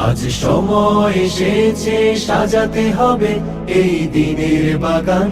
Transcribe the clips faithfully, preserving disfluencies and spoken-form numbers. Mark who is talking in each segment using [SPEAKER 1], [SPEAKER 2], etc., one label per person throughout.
[SPEAKER 1] আজ সময় এসেছে সাজাতে হবে এই দিনের বাগান,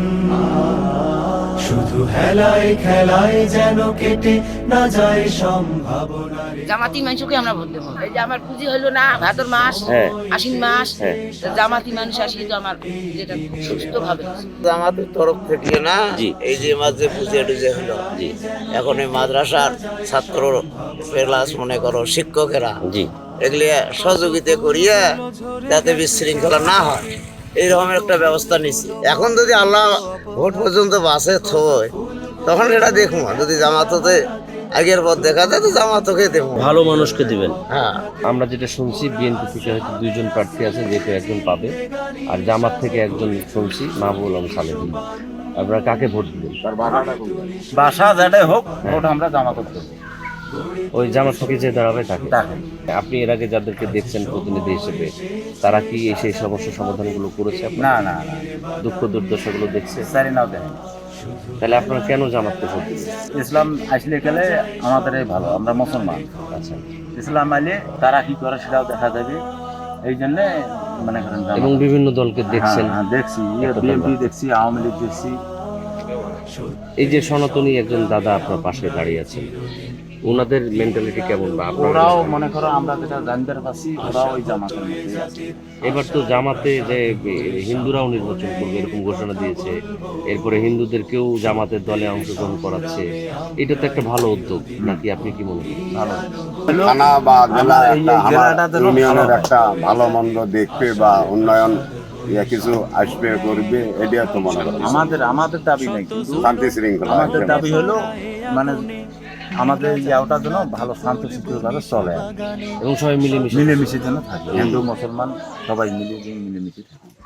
[SPEAKER 1] শুধু হেলায় খেলায় যেন কেটে না যায় সম্ভাবনা।
[SPEAKER 2] জামাতি মানুষকে আমরা ভোট দেবো। এই যে আমার পুঁজি হলো না ভাদর মাস,
[SPEAKER 3] হ্যাঁ।
[SPEAKER 2] আশ্বিন মাস,
[SPEAKER 3] হ্যাঁ।
[SPEAKER 2] তো জামাতি মানুষ আসলে তো আমার যেটা খুব সুস্থ ভাবে
[SPEAKER 4] আমাদের তরফ থেকে না,
[SPEAKER 3] জি।
[SPEAKER 4] এই যে মাঝে পুজো টুজে হলো,
[SPEAKER 3] জি
[SPEAKER 4] এখন এই মাদ্রাসার ছাত্র প্লাস মনে করো শিক্ষকেরা
[SPEAKER 3] জি
[SPEAKER 4] এগুলি সহযোগিতা করিয়া যাতে বিশৃঙ্খলা না হয় এইরকম একটা ব্যবস্থা নিছি। এখন যদি আল্লাহ ভোট পর্যন্ত বাসে থয় তখন সেটা দেখবো, যদি জামাততে আগের পর দেখা যায় তো জামাতকে দেবো।
[SPEAKER 3] ভালো মানুষকে দিবেন।
[SPEAKER 4] হ্যাঁ,
[SPEAKER 3] আমরা যেটা শুনছি বিএনপি থেকে হয়তো দুইজন প্রার্থী আছে, যেহেতু একজন পাবে, আর জামাত থেকে একজন শুনছি মাহবুল আলম সালেহী। আপনারা কাকে ভোট দিবেন?
[SPEAKER 5] বাসা যেটাই হোক ভোট আমরা জামাত দেবো।
[SPEAKER 3] ওই জামাত থেকে যে দাঁড়াবে তাকে। আপনি এর আগে যাদেরকে দেখছেন প্রতিনিধি হিসেবে, তারা কি এই সেই সমস্যা সমাধানগুলো করেছে? আপনার
[SPEAKER 5] না না না,
[SPEAKER 3] দুঃখ দুর্দশাগুলো দেখছে?
[SPEAKER 5] সারি নাও দেখেন।
[SPEAKER 3] তাহলে আপনারা কেন জামাতকে ভোট দিবেন?
[SPEAKER 5] ইসলাম আসলে গেলে আমাদের ভালো, আমরা মুসলমান।
[SPEAKER 3] আচ্ছা।
[SPEAKER 5] ইসলাম আইলে তারা কি করে সেটাও দেখা যাবে, এই জন্য মনে করেন জামাত।
[SPEAKER 3] এবং বিভিন্ন দলকে দেখছেন।
[SPEAKER 5] হ্যাঁ, হ্যাঁ, দেখছি
[SPEAKER 3] একটা
[SPEAKER 5] বিএনপি
[SPEAKER 3] দল।
[SPEAKER 5] দেখছি, আওয়ামী লীগ দেখছি।
[SPEAKER 3] এই যে সনাতনী একজন দাদা আপনার পাশে দাঁড়িয়ে আছেন, ওনাদের মেন্টালিটি কেমন? বা আপনারা
[SPEAKER 5] ওরাও মনে করো আমরা যেটা জানতে পারছি, ওরাও ওই জামাতের মধ্যে আছে।
[SPEAKER 3] এবার তো জামাতে যে হিন্দুরাও নির্বাচন করবে এরকম ঘোষণা দিয়েছে, এরপরে হিন্দুদেরকেও জামাতের দলে অংশগ্রহণ করাচ্ছে, এটা তো একটা ভালো উদ্যোগ নাকি? আপনি কি মনে করেন?
[SPEAKER 5] ভালো
[SPEAKER 6] থানা বা জেলা
[SPEAKER 5] আমরা এই
[SPEAKER 6] একটা আমার
[SPEAKER 5] জেলাটা যেন
[SPEAKER 6] ইউনিয়নের
[SPEAKER 5] ভালো
[SPEAKER 6] একটা ভালো মন্দ দেখবে বা উন্নয়ন ইয়া কিছু আসবে করবে, এটা তো মনে করি
[SPEAKER 5] আমাদের আমাদের দাবি নেই, কিন্তু
[SPEAKER 6] শান্তি শৃঙ্খলা
[SPEAKER 5] আমাদের
[SPEAKER 6] একটা
[SPEAKER 5] দাবি হলো মানে আমাদের ইয়াওটা যেন ভালো শান্তশিষ্টভাবে চলে,
[SPEAKER 3] এবং সবাই মিলেমিশে
[SPEAKER 5] মিলেমিশে যেন থাকে, হিন্দু মুসলমান সবাই মিলে মিলেমিশে থাকে।